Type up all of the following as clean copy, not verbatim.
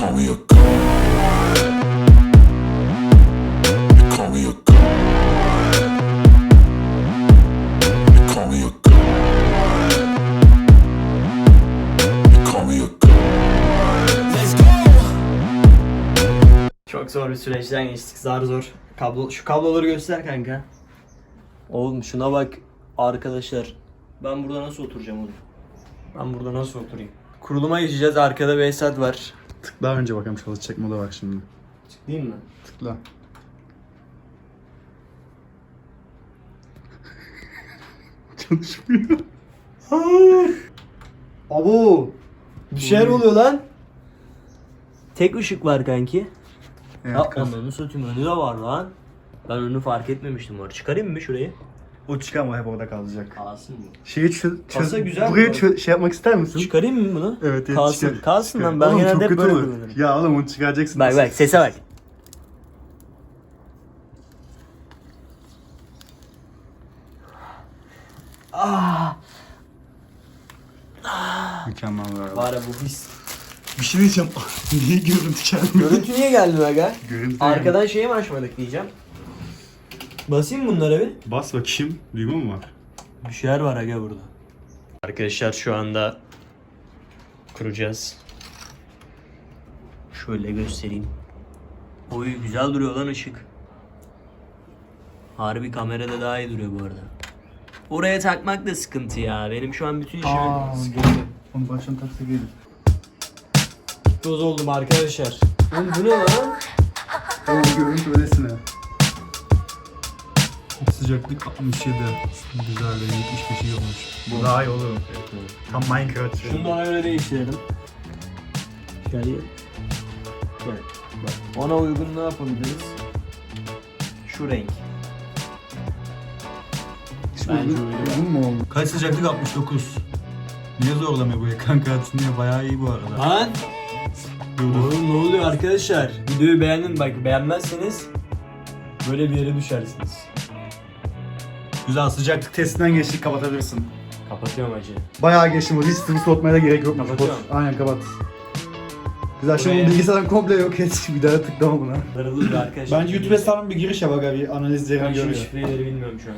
call me a god. You call me a god. You call me a god. You call me a god. Let's go. Çok zor bir süreçten geçtik. Zar zor. Şu kabloları göster kanka. Oğlum şuna bak arkadaşlar. Ben burada nasıl oturacağım oğlum? Ben burada nasıl oturayım? Kuruluma geçeceğiz. Arkada bir Esat var. Tıkla önce bakalım çalışacak mı da bak şimdi. Değil mi? Tıkla. Çalışmıyor. Abo! Bir şeyler oluyor lan. Tek ışık var kanki. Evet, Ya kız. ananı satayım, önü de var lan. Ben önü fark etmemiştim var. Çıkarayım mı şurayı? O çıkarma, hep orada kalacak. Kalsın mı? Şeyi Kasa güzel burayı bu şey yapmak ister misin? Çıkarayım mı bunu? Evet, evet, Kalsın. çıkar. Kalsın Çıkar. lan, ben Oğlum, genelde çok hep kötü böyle olur. kullanırım. Ya oğlum onu çıkaracaksın. Bak bak sese bak. Mükemmel var. Var ya bu his. Bir şey diyeceğim. Niye görüntü gelmiyor? Görüntü niye geldi aga? Görüntü Arkadan şeyi mi açmadık diyeceğim. Basayım bunlara bir. Bas bakayım. Duyma mı var? Bir şeyler var aga burada. Arkadaşlar şu anda kuracağız. Şöyle göstereyim. Oy güzel duruyor lan ışık. Harbi kamerada daha iyi duruyor bu arada. Oraya takmak da sıkıntı ya. Benim şu an bütün işim Onu baştan taksa gelir. toz oldum arkadaşlar. Oğlum bu ne lan? Oğlum görüntü öylesine. Sıcaklık 67. Güzel de 75 iyi olmuş. Bu daha iyi olur. Tam Minecraft. Şunu da ona göre değiştirelim. Şöyle. Gel. Bak. Ona uygun ne yapabiliriz? Şu renk. Bence uygun. mu oldu? Kaç sıcaklık 69. Niye zorlamıyor bu ekran kartı, niye? Bayağı iyi bu arada. Lan! Oğlum ne oluyor arkadaşlar? Videoyu beğenin, bak beğenmezseniz böyle bir yere düşersiniz. Güzel, sıcaklık testinden geçtik, kapatabilirsin. Kapatıyorum acı. Bayağı geçtim, o hiç sıvı soğutmaya da gerek yok. Kapatıyorum. Aynen kapat. Güzel, şimdi Buraya- bilgisayardan komple yok et. Bir daha tıklama buna. Darılır arkadaşlar. Bence YouTube hesabına bir giriş yap aga, bir analiz Ben yerine şu görüyor. şifreleri bilmiyorum şu an.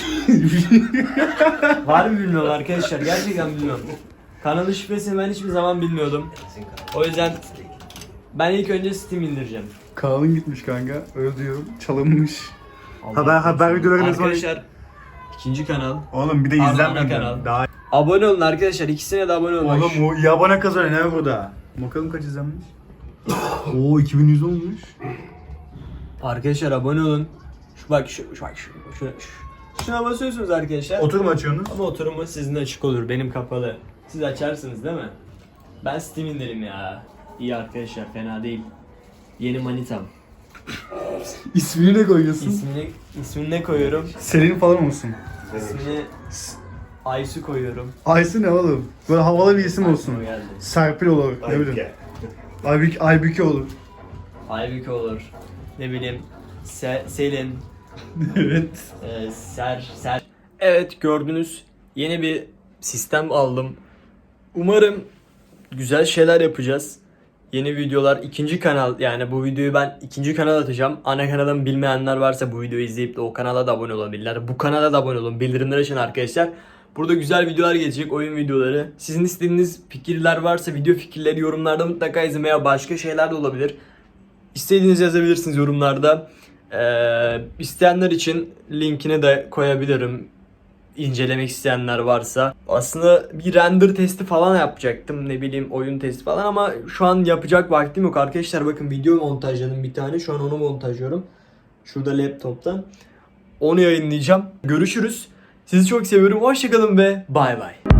Var mı bilmiyorum arkadaşlar, gerçekten bilmiyorum. Kanalın şifresini ben hiçbir zaman bilmiyordum. O yüzden ben ilk önce Steam indireceğim. Kanalın gitmiş kanka, öyle diyorum. Çalınmış. Allah Haber videoları ne zaman... Arkadaşlar ikinci kanal. Oğlum bir de Ana izlenmedi. kanal. Daha... Abone olun arkadaşlar, ikisine de abone olun. Bak Oğlum o iyi abone kazanıyor ne burada? Bakalım kaç izlenmiş. Oo 2100 olmuş. Arkadaşlar abone olun. Bak şuna basıyorsunuz arkadaşlar. Oturum açıyorsunuz. Ama oturumu sizin açık olur, benim kapalı. Siz açarsınız değil mi? Ben Steam indirim ya. İyi arkadaşlar, fena değil. Yeni manitam. İsmini ne koyuyorsun? İsmini ne koyuyorum? Selin falan olsun. İsmini Aysu koyuyorum. Aysu ne oğlum? Böyle havalı bir isim olsun. Aklıma geldi. Serpil olur. Ne bileyim. Aybüke olur. Aybüke olur. Ne bileyim. Selin. Evet. Ser. Evet, gördünüz. Yeni bir sistem aldım. Umarım güzel şeyler yapacağız. Yeni videolar, ikinci kanal, yani bu videoyu ben ikinci kanal atacağım. Ana kanalımı bilmeyenler varsa bu videoyu izleyip de o kanala da abone olabilirler. Bu kanala da abone olun. Bildirimleri açın arkadaşlar. Burada güzel videolar gelecek, oyun videoları. Sizin istediğiniz fikirler varsa, video fikirleri yorumlarda mutlaka yazın veya başka şeyler de olabilir. İstediğinizi yazabilirsiniz yorumlarda. İsteyenler için linkini de koyabilirim. İncelemek isteyenler varsa. Aslında bir render testi falan yapacaktım. Ne bileyim, oyun testi falan, ama şu an yapacak vaktim yok arkadaşlar. Bakın video montajladım bir tane. Şu an onu montajlıyorum. Şurada laptoptan. Onu yayınlayacağım. Görüşürüz. Sizi çok seviyorum. Hoşçakalın ve bay bay.